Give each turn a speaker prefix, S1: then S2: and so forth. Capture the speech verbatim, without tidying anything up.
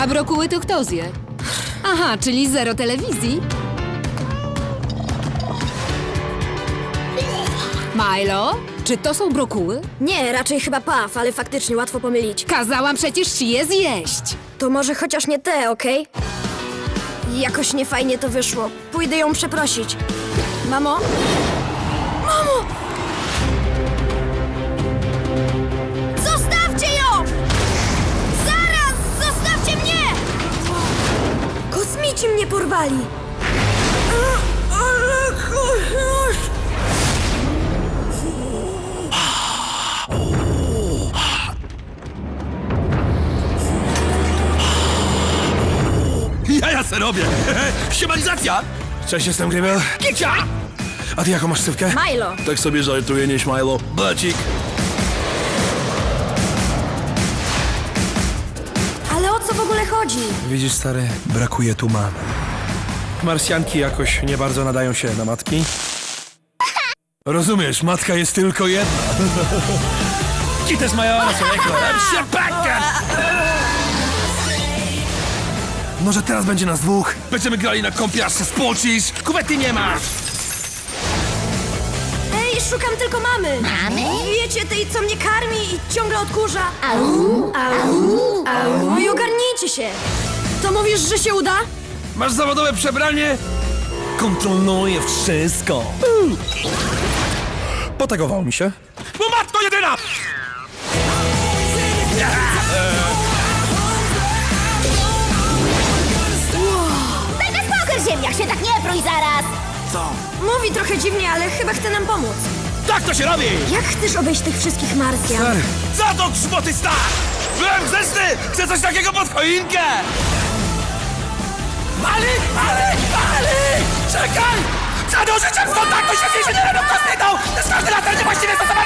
S1: A brokuły to kto zje? Aha, czyli zero telewizji. Milo, czy to są brokuły?
S2: Nie, raczej chyba paw, ale faktycznie łatwo pomylić.
S1: Kazałam przecież ci je zjeść.
S2: To może chociaż nie te, okej? Jakoś niefajnie to wyszło. Pójdę ją przeprosić. Mamo? Mamo! Zostawcie ją! Zaraz! Zostawcie mnie! Kosmici mnie porwali! Ale kochasz!
S3: Ja ja se robię! Siemanizacja! Cześć, jestem Gribel. Kicia! A ty jaką masz ksywkę?
S2: Milo!
S3: Tak sobie żartuję, nie Milo. Blecik.
S2: Ale o co w ogóle chodzi?
S3: Widzisz, stary, brakuje tu mamy. Marsjanki jakoś nie bardzo nadają się na matki. Rozumiesz, matka jest tylko jedna. Ci też mają Może teraz będzie nas dwóch? Będziemy grali na kąpiaszce, spocisz? Kuwety nie masz!
S2: Ej, szukam tylko mamy! Mamy? Wiecie, tej, co mnie karmi i ciągle odkurza.
S4: Au, au, au.
S2: No i ogarnijcie się! To mówisz, że się uda?
S3: Masz zawodowe przebranie? Kontroluję wszystko. Potagował mi się. Bo matko jedyna!
S4: Taka spokój, ziemniak, się tak nie prój zaraz!
S3: Co?
S2: Mówi trochę dziwnie, ale chyba chce nam pomóc.
S3: Tak to się robi!
S2: Jak chcesz obejść tych wszystkich Marsjan?
S3: Stary. Za to grzmoty star! Byłem grzeczny! Chcę coś takiego pod choinkę! Mali! Mali! Mali! Czekaj! Przed użyciem kontaktu się z inżynierem kosmitą! To jest każdy laser niewłaściwie stosowany